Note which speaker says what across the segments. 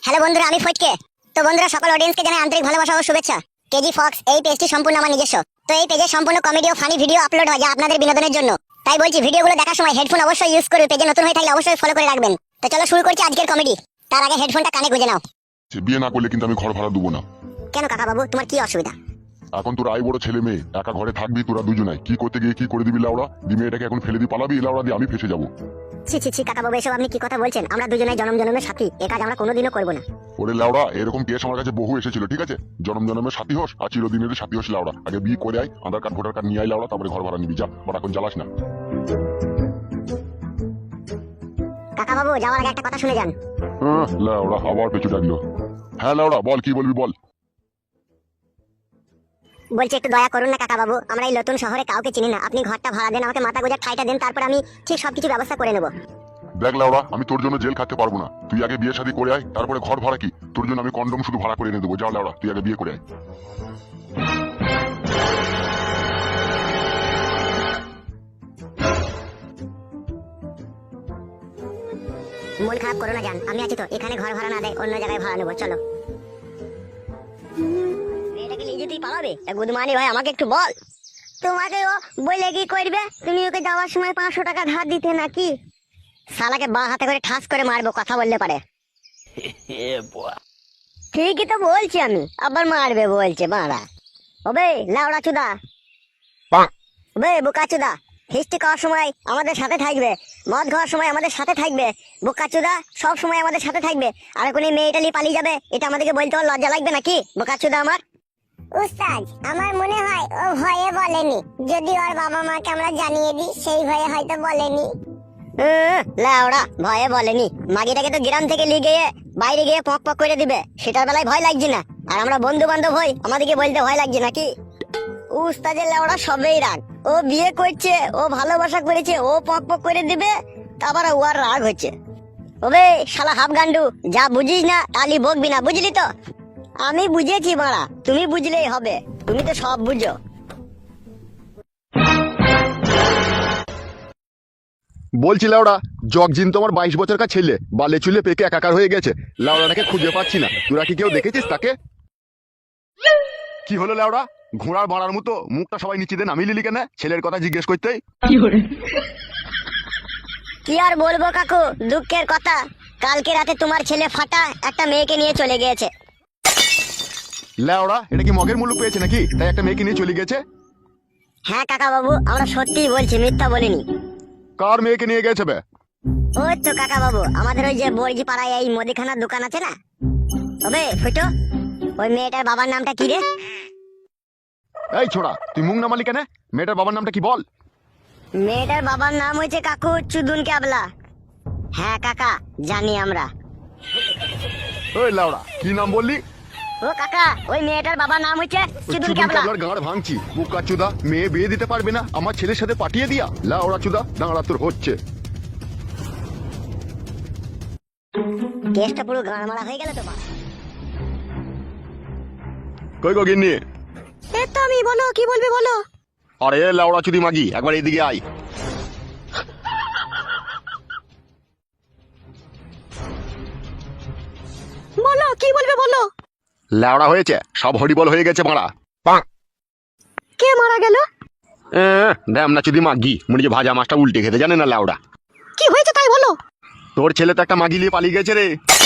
Speaker 1: Hello বন্ধুরা, আমি ফটকে। তো বন্ধুরা, সকল অডিয়েন্সকে জানাই আন্তরিক ভালোবাসা ও শুভেচ্ছা। কেজি ফক্স এই পেজটি সম্পূর্ণ আমার নিজস্ব। তো এই পেজে সম্পূর্ণ কমেডি ও ফানি ভিডিও আপলোড হয়, যা আপনাদের বিনোদনের জন্য। তাই বলছি, ভিডিওগুলো দেখার সময় হেডফোন অবশ্যই ইউজ করবে। পেজে নতুন হয়ে থাকলে অবশ্যই ফলো করে রাখবেন। তো চলো শুরু করছি আজকের কমেডি। তার আগে হেডফোনটা কানে গুঁজে নাও।
Speaker 2: বিয়ে না করলে কিন্তু আমি ঘর ভাড়া দেবো না।
Speaker 1: কেন কাকা বাবু, তোমার কি অসুবিধা?
Speaker 2: এখন তোরা আই বড় ছেলে মেয়ে একা ঘরে থাকবি, তোরা দুজনাই কি করতে গিয়ে কি করে দিবি লাউড়া দি? মেয়েটাকে এখন ফেলে দিয়ে পালাবি লাউড়া দিয়ে? আমি ফেসে যাবো।
Speaker 1: ছি ছি ছি কাকা বাবু, এসব আপনি কি কথা বলছেন? আমরা দুজনেই জনম জনমের সাথী, এ কাজ আমরা কোনোদিনও করবো না।
Speaker 2: ওরে লাউড়া, এরকম কেস আমার কাছে বহু এসেছিল, ঠিক আছে? জনম জনমের সাথী হোস আর চিরদিনের সাথী হোস লাউড়া। আগে বিয়ে করে আয়, আধার কার্ড ভোটার কার্ড নিয়ে আয় লাউড়া, তারপরে ঘর ভাড়া নিবি। যা বাট, এখন জ্বালাস না।
Speaker 1: কাকা বাবু, যাওয়ার আগে একটা কথা শুনে যান।
Speaker 2: লাউড়া আবার পেছু ডাকলো। হ্যাঁ লাউড়া বল, কি বলবি বল।
Speaker 1: বলছি একটু দয়া করুন না কাকা বাবু, আমরা এই নতুন শহরে কাউকে চিনি না। আপনি ঘরটা ভাড়া দেন, আমাকে মাথা গোজার ঠাইটা দেন, তারপর আমি ঠিক সবকিছু ব্যবস্থা করে নেবো।
Speaker 2: দেখ লাউড়া, আমি তোর জন্য জেল খাটতে পারবো না। তুই আগে বিয়ে শাদী করে আয়, তারপরে ঘর ভাড়া কি? তোর জন্য আমি কন্ডম শুধু ভাড়া করে এনে দেবো। যা লাউড়া, তুই আগে বিয়ে করে আয়।
Speaker 1: মন খারাপ করো না জান, আমি আছি তো। এখানে ঘর ভাড়া না দেয় অন্য জায়গায় ভাড়া নেবো, চলো। মেয়েটাকে নিয়ে যেতেই পারবে? গুদমানি ভাই, আমাকে একটু বল। তোমাকে ও বলে কি করবে? তুমি ওকে যাওয়ার সময় 500 টাকা ধার দিতে নাকি? শালাকে বাঁ হাতে করে ঠাস করে মারবো, কথা বললে পারে। ঠিকই তো বলছি আমি, আবার মারবে বলছে বাড়া। ওবে লাউড়া চুদা, ওবে বোকা চুদা, হিস্ট্রি খাওয়ার সময় আমাদের সাথে থাকবে, মদ খাওয়ার সময় আমাদের সাথে থাকবে, বোকা চুদা সব সময় আমাদের সাথে থাকবে। আর কোন মেয়েটা নিয়ে পালিয়ে যাবে, এটা আমাদেরকে বলতে ওর লজ্জা লাগবে নাকি? বোকা চুদা আমার। উস্তাদ, আমার মনে হয় ও ভয়ে বলেনি। যদি ওর বাবা মাকে আমরা জানিয়ে দিই, সেই ভয়ে হয়তো বলেনি। লাউড়া ভয়ে বলেনি? মাগিটাকে তো গ্রাম থেকে নিয়ে গিয়ে বাইরে গিয়ে পক পক করে দিবে, সেটার বেলায় ভয় লাগছে না? আর আমরা বন্ধু বান্ধব হই, আমাদেরকে বলতে ভয় লাগছে নাকি? উস্তাদের লাউড়া সবেই রাগ। ও বিয়ে করছে, ও ভালোবাসা করেছে, ও পক পক করে দিবে, তারপর ও আর রাগ হচ্ছে। ওবে শালা হাফ গান্ডু, যা বুঝিস না তালি বকবি না, বুঝলি তো? আমি বুঝেছি মারা, তুমি বুঝলেই হবে, তুমি তো সব বুঝো।
Speaker 3: বলছি লাউড়া, জগজিন তোমার 22 বছরকার ছেলে, বালে চুলে পেকে একাকার হয়ে গেছে। লাউড়াটাকে খুঁজে পাচ্ছি না, তোরা কি কেউ দেখেছিস তাকে? কি হলো লাউড়া, ঘোড়ার বাড়ার মতো মুখটা সবাই নিচে দিয়ে নামিয়ে নিলি কেন? ছেলের কথা জিজ্ঞেস করতেই।
Speaker 1: কি আর বলবো কাকু, দুঃখের কথা। কালকে রাতে তোমার ছেলে ফাটা একটা মেয়েকে নিয়ে চলে গিয়েছে।
Speaker 3: লাউড়া, এটা কি মগের মুলুক পেয়েছে নাকি, তাই একটা মেয়েকে নিয়ে চলে গেছে?
Speaker 1: হ্যাঁ কাকা বাবু, আমরা সত্যিই বলছি, মিথ্যা বলিনি।
Speaker 3: কার মেয়েকে নিয়ে গেছে বে?
Speaker 1: ওই তো কাকা বাবু, আমাদের ওই যে বইজি পাড়ায় এই মুদিখানার দোকান আছে না, তবে ফুটো, ওই মেয়েটার বাবার নামটা কি রে?
Speaker 3: এই ছোড়া, তুই মুখ নামালি কেন? মেয়েটার বাবার নামটা কি বল?
Speaker 1: মেয়েটার বাবার নাম হয়েছে কাকু চুদুন ক্যাবলা। হ্যাঁ কাকা, জানি আমরা।
Speaker 3: ওই লাউড়া, কি নাম বললি?
Speaker 1: ও কাকা, ওই মেয়েটার বাবার নাম হচ্ছে চুদুন ক্যাবলা।
Speaker 3: চুদুন গাঁড় ভাঙছি, বুকা চুদা, মেয়ে বিয়ে দিতে পারবে না, আমার ছেলের সাথে পাঠিয়ে দিয়া। লাউড়া চুদা, দাঁড়া তোর হচ্ছে।
Speaker 1: কেসটা পুরো গাঁড়মারা হয়ে গেল তো বা।
Speaker 3: কই গো গিন্নি?
Speaker 1: এ তো আমি, বলো কি বলবি বলো।
Speaker 3: আরে লাউড়া চুদি মাগি, একবার এইদিকে আয়।
Speaker 1: বলো কি বলবে বলো।
Speaker 3: লাউড়া হয়েছে, সব হরিবল হয়ে গেছে মারা।
Speaker 1: কে মারা গেল?
Speaker 3: দেম না চুদি মাগি, মনে যে ভাজা মাছটা উল্টে খেতে জানে না লাউড়া।
Speaker 1: কি হয়েছে তাই বলো।
Speaker 3: তোর ছেলে তো একটা মাগি নিয়ে পালিয়ে গেছে রে।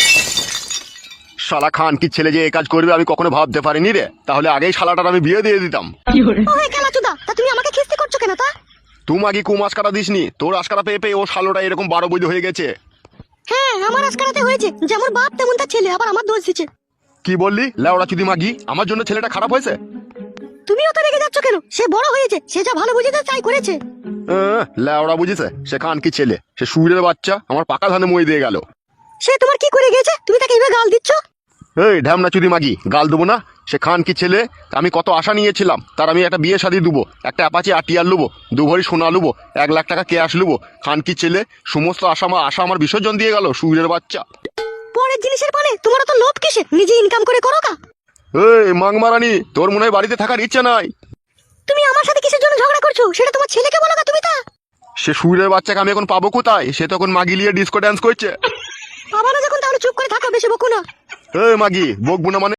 Speaker 3: শালা খান কি ছেলে যে এই কাজ করবে আমি কখনো ভাবতে পারিনি রে, তাহলে আগেই শালাটার আমি বিয়ে দিয়ে দিতাম।
Speaker 1: ওই খেলাচুদা, তা তুমি আমাকে খিস্তি করছো কেন তা?
Speaker 3: তুই মাগি কু মাছ কাটা দিসনি, তোর আশকারা পেয়ে পেয়ে ও শালোটা এরকম 12 বৈধ হয়ে গেছে।
Speaker 1: হ্যাঁ, আমার আজকারাতে হয়েছে, যেমন বাপ তেমন তার ছেলে, আবার আমার দোষ দিচ্ছে।
Speaker 3: কি বললি লাউড়া চুদি মাগি? আমার জন্য ছেলেটা খারাপ হয়েছে?
Speaker 1: তুমিও তো রেগে যাচ্ছ কেন? সে বড় হয়েছে, সে যা ভালো বুঝেছে তাই করেছে।
Speaker 3: লাউড়া বুঝেছে, সে খান কি ছেলে, সে সুরের বাচ্চা, আমার পাকা ধানে মই দিয়ে গেল।
Speaker 1: সে তোমার কি করে গেছে, তুমি তাকে এইভাবে গাল দিচ্ছ?
Speaker 3: এই ঢ্যামনা চুদি মাগি, গাল দেবো না? সে খান কি ছেলে, আমি কত আশা নিয়েছিলাম তার, আমি একটা বিয়ে শাদী দেবো, একটা অ্যাপাচি আটিয়ার লুবো, 2 ভরি সোনা লুবো, 1 লাখ টাকা ক্যাশ লুবো। খান কি ছেলে সমস্ত আশা আমার বিসর্জন দিয়ে গেল, সুরের বাচ্চা।
Speaker 1: পরের জিনিসের পানে তোমার তো লোভ কিসে? নিজে ইনকাম করে করো কা।
Speaker 3: এই মাংমারানি, তোর মনে হয় বাড়িতে থাকার ইচ্ছা নাই।
Speaker 1: তুমি আমার সাথে কিসের জন্য ঝগড়া করছো, সেটা তোমার ছেলেকে বলো কা তুমি তা।
Speaker 3: সে সুরের বাচ্চাকে আমি এখন পাবো কোথায়? সে তখন মাগি লিয়ে ডিস্কো ড্যান্স করছে।
Speaker 1: বাবা না যখন, তাহলে চুপ করে থাকো, বেশি বকো না।
Speaker 3: এ মাগি বকবো না মানে